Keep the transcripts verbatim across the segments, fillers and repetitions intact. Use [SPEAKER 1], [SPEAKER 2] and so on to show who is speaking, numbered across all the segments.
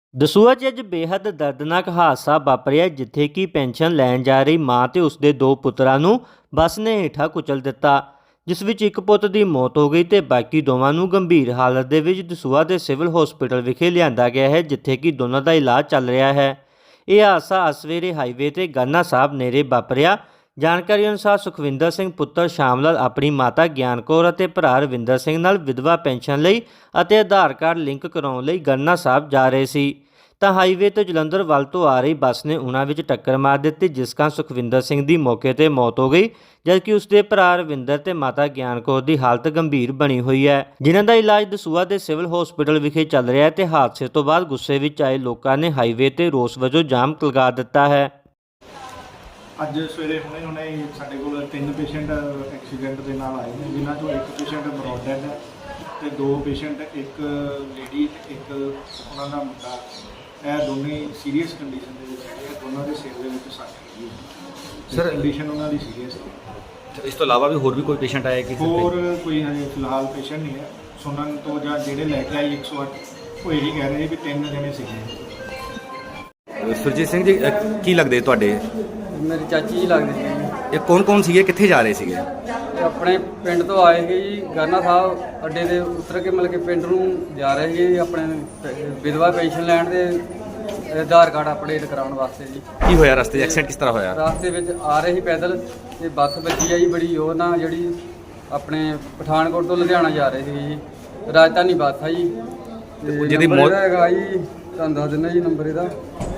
[SPEAKER 1] ਦਸੂਹਾ 'ਚ ਅੱਜ ਬੇਹੱਦ ਦਰਦਨਾਕ ਹਾਦਸਾ ਵਾਪਰਿਆ ਜਿੱਥੇ ਕਿ ਪੈਨਸ਼ਨ ਲੈਣ ਜਾ ਰਹੀ ਮਾਂ ਤੇ ਉਸਦੇ ਦੋ ਪੁੱਤਰਾਂ ਨੂੰ ਬੱਸ ਨੇ ਹੇਠਾਂ ਕੁਚਲ ਦਿੱਤਾ, ਜਿਸ ਵਿੱਚ ਇੱਕ ਪੁੱਤ ਦੀ ਮੌਤ ਹੋ ਗਈ ਤੇ ਬਾਕੀ ਦੋਵਾਂ ਨੂੰ ਗੰਭੀਰ ਹਾਲਤ ਦੇ ਵਿੱਚ ਦਸੂਹਾ ਦੇ ਸਿਵਲ ਹਸਪੀਟਲ ਵਿਖੇ ਲਿਆਂਦਾ ਗਿਆ ਹੈ, ਜਿੱਥੇ ਕਿ ਦੋਨਾਂ ਦਾ ਇਲਾਜ ਚੱਲ ਰਿਹਾ ਹੈ। ਇਹ ਹਾਦਸਾ ਸਵੇਰੇ ਹਾਈਵੇ ਤੇ ਗੰਨਾ ਸਾਹਿਬ ਨੇੜੇ ਵਾਪਰਿਆ। ਜਾਣਕਾਰੀ ਅਨੁਸਾਰ ਸੁਖਵਿੰਦਰ ਸਿੰਘ ਪੁੱਤਰ ਸ਼ਾਮ ਲਾਲ ਆਪਣੀ ਮਾਤਾ ਗਿਆਨ ਕੌਰ ਅਤੇ ਭਰਾ ਰਵਿੰਦਰ ਸਿੰਘ ਨਾਲ ਵਿਧਵਾ ਪੈਨਸ਼ਨ ਲਈ ਅਤੇ ਆਧਾਰ ਕਾਰਡ ਲਿੰਕ ਕਰਾਉਣ ਲਈ ਗੰਨਾ ਸਾਹਿਬ ਜਾ ਰਹੇ ਸੀ ਤਾਂ ਹਾਈਵੇ ਤੋਂ ਜਲੰਧਰ ਵੱਲ ਤੋਂ ਆ ਰਹੀ ਬੱਸ ਨੇ ਉਹਨਾਂ ਵਿੱਚ ਟੱਕਰ ਮਾਰ ਦਿੱਤੀ, ਜਿਸ ਕਾਰਨ ਸੁਖਵਿੰਦਰ ਸਿੰਘ ਦੀ ਮੌਕੇ ਤੇ ਮੌਤ ਹੋ ਗਈ, ਜਦਕਿ ਉਸਦੇ ਭਰਾ ਰਵਿੰਦਰ ਤੇ ਮਾਤਾ ਗਿਆਨ ਕੌਰ ਦੀ ਹਾਲਤ ਗੰਭੀਰ ਬਣੀ ਹੋਈ ਹੈ, ਜਿਨ੍ਹਾਂ ਦਾ ਇਲਾਜ ਦਸੂਹਾ ਦੇ ਸਿਵਲ ਹਸਪੀਟਲ ਵਿਖੇ ਚੱਲ ਰਿਹਾ ਹੈ। ਤੇ ਹਾਦਸੇ ਤੋਂ ਬਾਅਦ ਗੁੱਸੇ ਵਿੱਚ ਆਏ ਲੋਕਾਂ ਨੇ ਹਾਈਵੇ ਤੇ ਰੋਸ ਵਜੋਂ ਜਾਮ ਲਗਾ ਦਿੱਤਾ ਹੈ।
[SPEAKER 2] ਅੱਜ ਸਵੇਰੇ ਹੁਣੇ ਹੁਣੇ ਸਾਡੇ ਕੋਲ ਤਿੰਨ ਪੇਸ਼ੈਂਟ ਐਕਸੀਡੈਂਟ ਦੇ ਨਾਲ ਆਏ ਨੇ, ਜਿਨ੍ਹਾਂ ਚੋਂ ਇੱਕ ਪੇਸ਼ੈਂਟ ਬਰੋਡ ਡੈਡ ਹੈ ਤੇ ਦੋ ਪੇਸ਼ੈਂਟ, ਇੱਕ ਲੇਡੀ ਤੇ ਇੱਕ ਉਹਨਾਂ ਦਾ ਮੁੰਡਾ, ਇਹ ਦੋਨੇ ਸੀਰੀਅਸ ਕੰਡੀਸ਼ਨ ਦੇ ਵਿੱਚ ਹੈਗੇ। ਦੋਨਾਂ ਦੇ ਸਿਰ ਦੇ ਵਿੱਚ ਸੱਟ ਲੱਗੀ ਹੈ ਸਰ, ਕੰਡੀਸ਼ਨ ਉਹਨਾਂ ਦੀ ਸੀਰੀਅਸ ਹੈ।
[SPEAKER 3] ਇਸ ਤੋਂ ਇਲਾਵਾ ਵੀ ਹੋਰ ਵੀ ਕੋਈ ਪੇਸ਼ੈਂਟ ਆਇਆ ਕਿ
[SPEAKER 2] ਹੋਰ ਕੋਈ ਹਜੇ ਫਿਲਹਾਲ ਪੇਸ਼ੈਂਟ ਨਹੀਂ ਹੈ। ਸੁਣਨ ਤੋਂ ਜਾਂ ਜਿਹੜੇ ਲੈ ਕੇ ਆਏ ਇੱਕ ਸੌ ਅੱਠ ਉਹ ਇਹੀ ਕਹਿ ਰਹੇ ਵੀ ਤਿੰਨ ਜਣੇ ਸੀਗੇ।
[SPEAKER 3] ਸੁਰਜੀਤ ਸਿੰਘ ਜੀ, ਅਹ ਕੀ ਲੱਗਦੇ ਤੁਹਾਡੇ?
[SPEAKER 4] ਮੇਰੀ ਚਾਚੀ ਜੀ ਲੱਗਦੀ ਸੀ।
[SPEAKER 3] ਇਹ ਕੌਣ ਕੌਣ ਸੀਗੇ, ਕਿੱਥੇ ਜਾ ਰਹੇ ਸੀਗੇ?
[SPEAKER 4] ਇਹ ਆਪਣੇ ਪਿੰਡ ਤੋਂ ਆਏ ਸੀ ਜੀ, ਗਾਨਾ ਸਾਹਿਬ ਅੱਡੇ ਦੇ ਉਤਰ ਕੇ ਮਤਲਬ ਕਿ ਪਿੰਡ ਨੂੰ ਜਾ ਰਹੇ ਸੀ ਆਪਣੇ ਵਿਧਵਾ ਪੈਨਸ਼ਨ ਲੈਣ ਦੇ ਆਧਾਰ ਕਾਰਡ ਅਪਡੇਟ ਕਰਾਉਣ ਵਾਸਤੇ ਜੀ।
[SPEAKER 3] ਕੀ ਹੋਇਆ ਰਸਤੇ 'ਚ? ਐਕਸੀਡੈਂਟ ਕਿਸ ਤਰ੍ਹਾਂ ਹੋਇਆ?
[SPEAKER 4] ਰਾਸਤੇ ਵਿੱਚ ਆ ਰਹੇ ਸੀ ਪੈਦਲ ਤੇ ਬੱਸ ਵੱਜੀ ਆ ਜੀ ਬੜੀ ਉਹ ਨਾ, ਜਿਹੜੀ ਆਪਣੇ ਪਠਾਨਕੋਟ ਤੋਂ ਲੁਧਿਆਣਾ ਜਾ ਰਹੇ ਸੀ ਜੀ, ਰਾਜਧਾਨੀ ਬੱਸ ਆ ਜੀ। ਤੇ
[SPEAKER 3] ਜਿਹਦੀ
[SPEAKER 4] ਨੰਬਰ
[SPEAKER 3] ਮੌਤ-
[SPEAKER 4] ਇਹਦਾ ਹੈਗਾ ਜੀ, ਤੁਹਾਨੂੰ ਦੱਸ ਦਿੰਦਾ ਜੀ ਨੰਬਰ ਇਹਦਾ।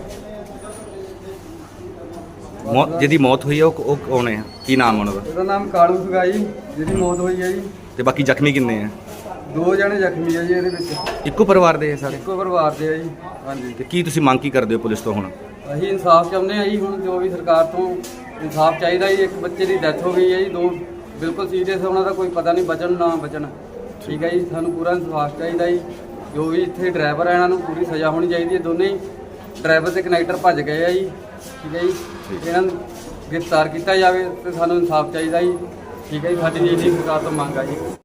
[SPEAKER 3] ਮੌਤ ਜਿਹਦੀ ਮੌਤ ਹੋਈ ਹੈ ਉਹ ਉਹ ਕੌਣ ਹੈ? ਕੀ ਨਾਮ ਉਹਨਾਂ ਦਾ?
[SPEAKER 4] ਇਹਦਾ ਨਾਮ ਕਾਲੂ ਸੀਗਾ ਜੀ, ਜਿਹਦੀ ਮੌਤ ਹੋਈ ਹੈ ਜੀ।
[SPEAKER 3] ਤੇ ਬਾਕੀ ਜ਼ਖਮੀ ਕਿੰਨੇ ਆ?
[SPEAKER 4] ਦੋ ਜਣੇ ਜ਼ਖਮੀ ਆ ਜੀ ਇਹਦੇ ਵਿੱਚ,
[SPEAKER 3] ਇੱਕੋ ਪਰਿਵਾਰ ਦੇ ਸਾਰੇ?
[SPEAKER 4] ਇੱਕੋ ਪਰਿਵਾਰ ਦੇ ਆ ਜੀ। ਹਾਂਜੀ,
[SPEAKER 3] ਤੇ ਕੀ ਤੁਸੀਂ ਮੰਗ ਕੀ ਕਰਦੇ ਹੋ ਪੁਲਿਸ ਤੋਂ ਹੁਣ?
[SPEAKER 4] ਅਸੀਂ ਇਨਸਾਫ ਚਾਹੁੰਦੇ ਹਾਂ ਜੀ। ਹੁਣ ਜੋ ਵੀ ਸਰਕਾਰ ਤੋਂ ਇਨਸਾਫ ਚਾਹੀਦਾ ਜੀ। ਇੱਕ ਬੱਚੇ ਦੀ ਡੈਥ ਹੋ ਗਈ ਹੈ ਜੀ, ਦੋ ਬਿਲਕੁਲ ਸੀਰੀਅਸ, ਉਹਨਾਂ ਦਾ ਕੋਈ ਪਤਾ ਨਹੀਂ ਬਚਣ ਨਾ ਬਚਣ। ਠੀਕ ਹੈ ਜੀ, ਸਾਨੂੰ ਪੂਰਾ ਇਨਸਾਫ ਚਾਹੀਦਾ ਜੀ। ਜੋ ਵੀ ਇੱਥੇ ਡਰਾਈਵਰ ਆ ਇਹਨਾਂ ਨੂੰ ਪੂਰੀ ਸਜ਼ਾ ਹੋਣੀ ਚਾਹੀਦੀ ਹੈ। ਦੋਨੇ ਹੀ ਡਰਾਈਵਰ ਤੇ ਕਨੈਕਟਰ ਭੱਜ ਗਏ ਆ ਜੀ। ਠੀਕ ਹੈ ਜੀ, ਇਹਨਾਂ ਨੂੰ ਗ੍ਰਿਫਤਾਰ ਕੀਤਾ ਜਾਵੇ ਤੇ ਸਾਨੂੰ ਇਨਸਾਫ ਚਾਹੀਦਾ ਜੀ। ਠੀਕ ਹੈ ਜੀ, ਸਾਡੀ ਜੀ ਸਰਕਾਰ ਤੋਂ ਮੰਗ ਆ ਜੀ।